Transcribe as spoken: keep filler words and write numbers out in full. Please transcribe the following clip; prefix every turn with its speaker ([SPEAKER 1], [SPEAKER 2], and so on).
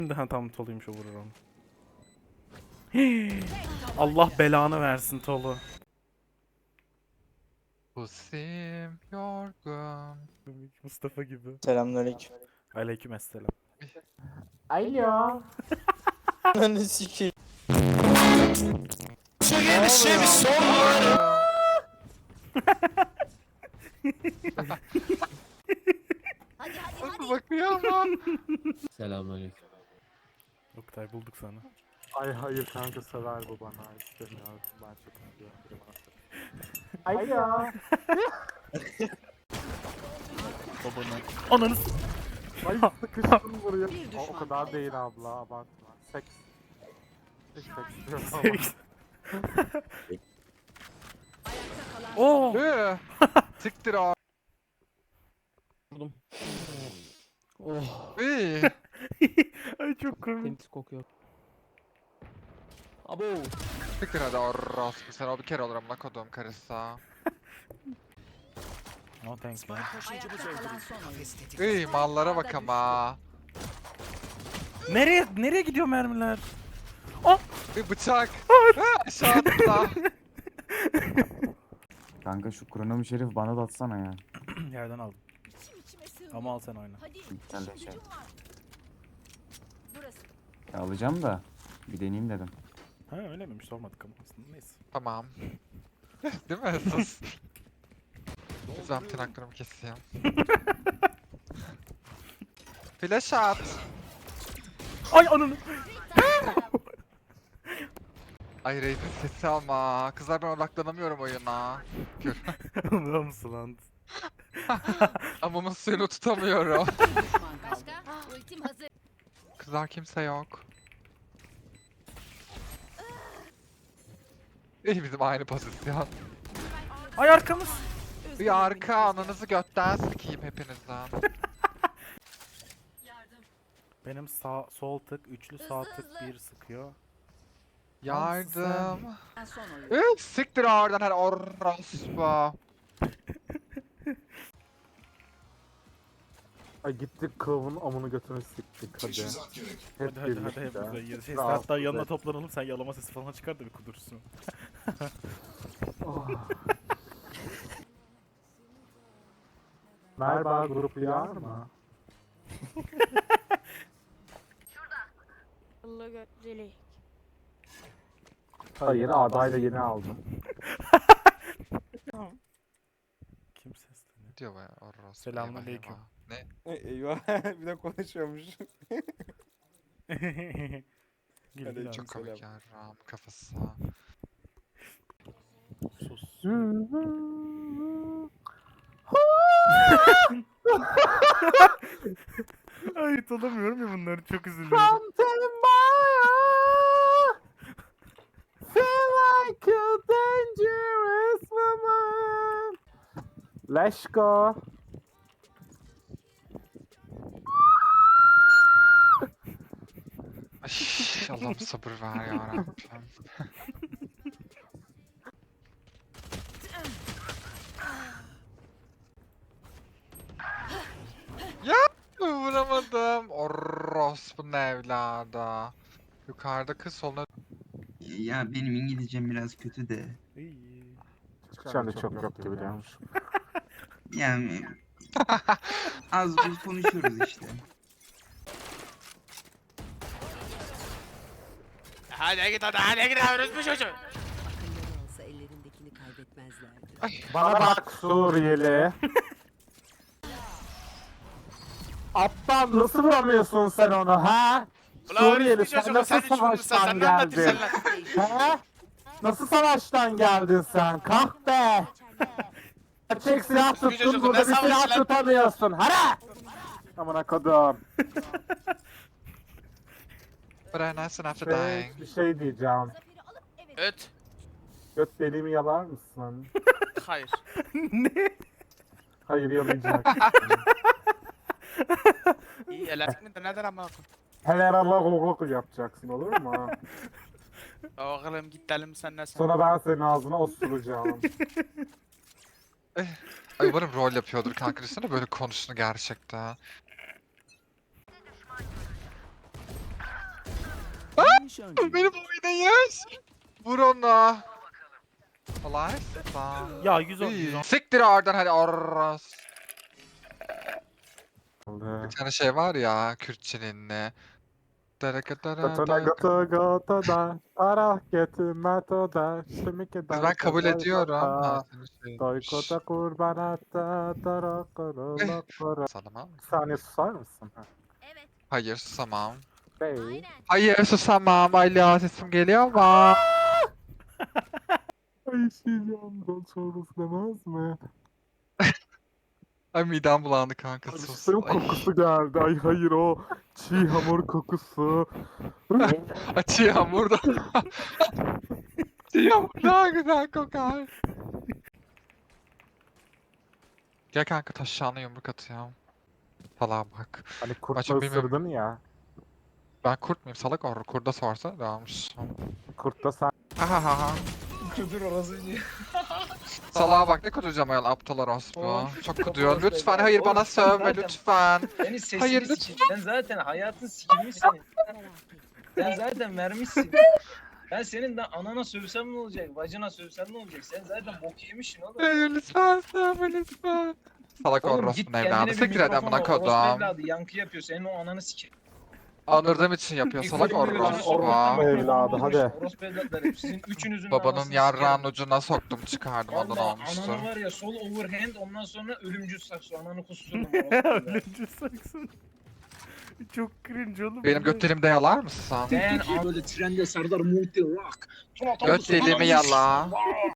[SPEAKER 1] Daha tam Tolu'ymuş, o vurur onu. Allah belanı versin Tolu.
[SPEAKER 2] Pusim yorgun.
[SPEAKER 1] Mustafa gibi.
[SPEAKER 3] Selamünaleyküm.
[SPEAKER 1] Aleykümselam.
[SPEAKER 3] Alo. Ananı sikeyim.
[SPEAKER 2] Bir şey mi sor?
[SPEAKER 4] Hadi hadi hadi.
[SPEAKER 2] Bakıyor ama.
[SPEAKER 5] Selamünaleyküm.
[SPEAKER 1] Oktay, bulduk sana.
[SPEAKER 6] Ay hayır kanka, sever bu bana, istemiyorum ben, çok istiyorum biri bana sever. Alo.
[SPEAKER 1] Babanı. Ananı s-
[SPEAKER 6] Ay sıkıştım buraya.
[SPEAKER 4] Bir
[SPEAKER 6] O, o
[SPEAKER 4] düşman
[SPEAKER 6] kadar
[SPEAKER 4] kaldı.
[SPEAKER 6] değil abla, abartma. Seks. Seks seks diyorum ama.
[SPEAKER 1] Seks.
[SPEAKER 4] Ayakta kalan
[SPEAKER 1] Oo.
[SPEAKER 2] Hı. Siktir abi.
[SPEAKER 5] Vurdum. Oh,
[SPEAKER 2] İyi.
[SPEAKER 1] Ay çok komik.
[SPEAKER 5] temiz kokuyor. Abo.
[SPEAKER 2] Siktir hadi orospu sen, o bir kere olur amına kodum karısı.
[SPEAKER 1] No thanks man.
[SPEAKER 4] ayakta kalan son oyun.
[SPEAKER 2] İyi mallara bak ama.
[SPEAKER 1] Nereye nereye gidiyor mermiler?
[SPEAKER 2] Bir bıçak. Ha, aşağı atla.
[SPEAKER 7] Kanka şu kronomu şerif bana da atsana ya.
[SPEAKER 1] Yerden aldım.
[SPEAKER 4] İçim içime sığmıyor.
[SPEAKER 1] Ama al sen oyna.
[SPEAKER 4] Hadi.
[SPEAKER 7] Sen de
[SPEAKER 4] işim
[SPEAKER 7] şey.
[SPEAKER 4] gücüm var. Burası.
[SPEAKER 7] Ya alacağım da bir deneyeyim dedim.
[SPEAKER 1] Ha öyle miymiş, sormadık ama aslında, neyse.
[SPEAKER 2] Tamam. Değil mi? Sus. Ben tırnaklarımı keseyim. Flash at.
[SPEAKER 1] Ay ananı.
[SPEAKER 2] Ay Reis'in sesi ama. Kızlar ben odaklanamıyorum oyuna. Gör.
[SPEAKER 1] Anlıyor musun lan?
[SPEAKER 2] Amamın suyunu tutamıyorum.
[SPEAKER 4] Düşman kaldı. Başka? Ultim hazır.
[SPEAKER 2] Kızlar kimse yok. İyi bizim aynı pozisyon.
[SPEAKER 1] Ay arkamız.
[SPEAKER 2] Bir arka ananızı götten sikeyim hepinizden.
[SPEAKER 1] Benim sağ sol tık, üçlü sağ tık bir sıkıyor.
[SPEAKER 2] Yardım.
[SPEAKER 4] Son oyun.
[SPEAKER 2] Üf, siktir oradan her orospu.
[SPEAKER 6] Ay gittik kılavun amını götünü siktik hadi. Hep
[SPEAKER 1] Hadi hadi hadi
[SPEAKER 6] birlikte.
[SPEAKER 1] hep bize. Şey,
[SPEAKER 6] Rahatsız
[SPEAKER 1] hatta yanına
[SPEAKER 6] et.
[SPEAKER 1] toplanalım, sen yalama sesi falan çıkar da bir kudursun.
[SPEAKER 6] Oh. Merhaba, grup uyar mı?
[SPEAKER 8] Allah götürelim.
[SPEAKER 6] Hayır, adayla yeni aldım.
[SPEAKER 1] Kim sesleniyor?
[SPEAKER 2] Diyor baya orospu.
[SPEAKER 1] Selamünaleyküm.
[SPEAKER 2] eyvah, eyvah. Ne?
[SPEAKER 3] Eyvah bir de konuşuyormuş.
[SPEAKER 1] Gül,
[SPEAKER 3] Hadi,
[SPEAKER 1] gül
[SPEAKER 2] Çok
[SPEAKER 1] abi.
[SPEAKER 2] komik ya Ram kafası.
[SPEAKER 1] Sus. Ay tutamıyorum ya bunları, çok üzülüyorum.
[SPEAKER 6] Something feel like a dangerous woman. Let's go.
[SPEAKER 2] Ay, Allah'ım sabır ver ya Rabbim. Ya vuramadım. Orospu'nun evladı. Yukarıda kız soluna.
[SPEAKER 9] Ya benim İngilizcem biraz kötü de.
[SPEAKER 1] İyi.
[SPEAKER 6] Çıkacağım da çok yok gibi diyormuş.
[SPEAKER 9] Yani az buz konuşuyoruz işte.
[SPEAKER 4] Akılları olsa ellerindekini kaybetmezlerdi.
[SPEAKER 6] Bana bak Suriyeli. Aptal, nasıl vuramıyorsun sen onu ha? Suriyeli, sen nasıl savaştan geldin? He? Nasıl savaştan geldin sen? Kahpe! Gerçek silah tuttun, burada bir silah tutamıyorsun. Hara! Amına kodum.
[SPEAKER 2] But I nice after
[SPEAKER 6] Şey,
[SPEAKER 2] dying.
[SPEAKER 6] bir şey diyeceğim.
[SPEAKER 8] Öt.
[SPEAKER 6] Göt deliğimi yalar mısın?
[SPEAKER 8] Hayır.
[SPEAKER 1] Ne?
[SPEAKER 6] Hayır, yalayacak.
[SPEAKER 8] İyi elefini de neden ama
[SPEAKER 6] Hele Allah yapacaksın, olur mu?
[SPEAKER 8] oğlum gidelim sen ne sen.
[SPEAKER 6] Sonra ben senin ağzına osuracağım.
[SPEAKER 2] Ay umarım rol yapıyordur kanka. Düşünsene böyle konuştuğunu gerçekten. Benim oynayış. Vur onu. Kolay. Tamam.
[SPEAKER 1] Ya yüz on yüz on.
[SPEAKER 2] Siktir oradan hadi orros. Bir tane şey var ya Kürtçenin ne?
[SPEAKER 6] Götüne götü götü da, arah getirme da, şimdiki
[SPEAKER 2] Kız ben kabul ediyorum. Ha, senin şeymiş.
[SPEAKER 6] Doykoda kurban etti, dara kırılı kırı.
[SPEAKER 2] Salamam.
[SPEAKER 6] Bir saniye susar mısın?
[SPEAKER 4] Evet.
[SPEAKER 2] Hayır susamam.
[SPEAKER 6] Bey.
[SPEAKER 4] Aynen.
[SPEAKER 2] Hayır susamam. Alo sesim geliyor mu?
[SPEAKER 6] Ay şeyim, ben sonrası demez mi?
[SPEAKER 2] Ay midem bulandı kanka sus.
[SPEAKER 6] Suyun
[SPEAKER 2] Ay,
[SPEAKER 6] kokusu geldi. Ay hayır o çiğ hamur kokusu.
[SPEAKER 2] Açı hamurda. Açı hamur daha güzel kokar. Gel kanka taşağına yumruk atayım. Falan bak.
[SPEAKER 6] Hani kurtla
[SPEAKER 2] Açın bilmiyorum.
[SPEAKER 6] ısırdın ya.
[SPEAKER 2] Ben kurt muyum salak or kurda sorsa devamış.
[SPEAKER 6] Kurtta sen
[SPEAKER 2] Ha ha ha.
[SPEAKER 3] Kudur orası diye.
[SPEAKER 2] Salağa bak ne kuduracağım ayol aptal orospu.
[SPEAKER 3] Of,
[SPEAKER 2] Çok
[SPEAKER 3] çok
[SPEAKER 2] kuduyor.
[SPEAKER 3] orospu
[SPEAKER 2] Lütfen
[SPEAKER 3] evladı.
[SPEAKER 2] hayır
[SPEAKER 3] Oğlum,
[SPEAKER 2] bana
[SPEAKER 3] sen
[SPEAKER 2] sövme
[SPEAKER 3] zaten-
[SPEAKER 2] lütfen.
[SPEAKER 3] Senin sesini
[SPEAKER 2] Hayır,
[SPEAKER 3] sikeyim. Sen zaten hayatın sikilmiş senin. Sen zaten vermişsin. Ben senin de anana sövsem ne olacak? Bacına sövsem ne olacak? Sen zaten bok yemişsin oğlum.
[SPEAKER 2] Hayır lütfen sövme lütfen. Salak
[SPEAKER 3] Oğlum git
[SPEAKER 2] orospunun
[SPEAKER 3] kendine
[SPEAKER 2] evladı.
[SPEAKER 3] bir
[SPEAKER 2] Siktir et
[SPEAKER 3] mikrofon
[SPEAKER 2] amına
[SPEAKER 3] al. Orospu
[SPEAKER 2] kodum.
[SPEAKER 3] evladı yankı yapıyor. Senin o ananı sikeyim.
[SPEAKER 2] Anırdığım için yapıyor salak
[SPEAKER 3] Mikrofonu
[SPEAKER 2] orospu.
[SPEAKER 6] orospu evladı, hadi.
[SPEAKER 3] Orospu evlatları. Sizin üçünüzün
[SPEAKER 2] Babanın
[SPEAKER 3] anasını
[SPEAKER 2] yarrağın
[SPEAKER 3] sikerim.
[SPEAKER 2] ucuna soktum çıkardım ondan
[SPEAKER 3] Valla
[SPEAKER 2] olmuştu.
[SPEAKER 3] ananı var ya sol overhand ondan sonra ölümcül saksı ananı kusturdum. orospu evladı.
[SPEAKER 1] Ölümcü saksın. Çok cringe oğlum.
[SPEAKER 2] Benim
[SPEAKER 1] bu ne?
[SPEAKER 2] göt delimde yalar mısın?
[SPEAKER 3] Ben abi böyle trende Serdar Multi Rock.
[SPEAKER 2] Göt delimi yala.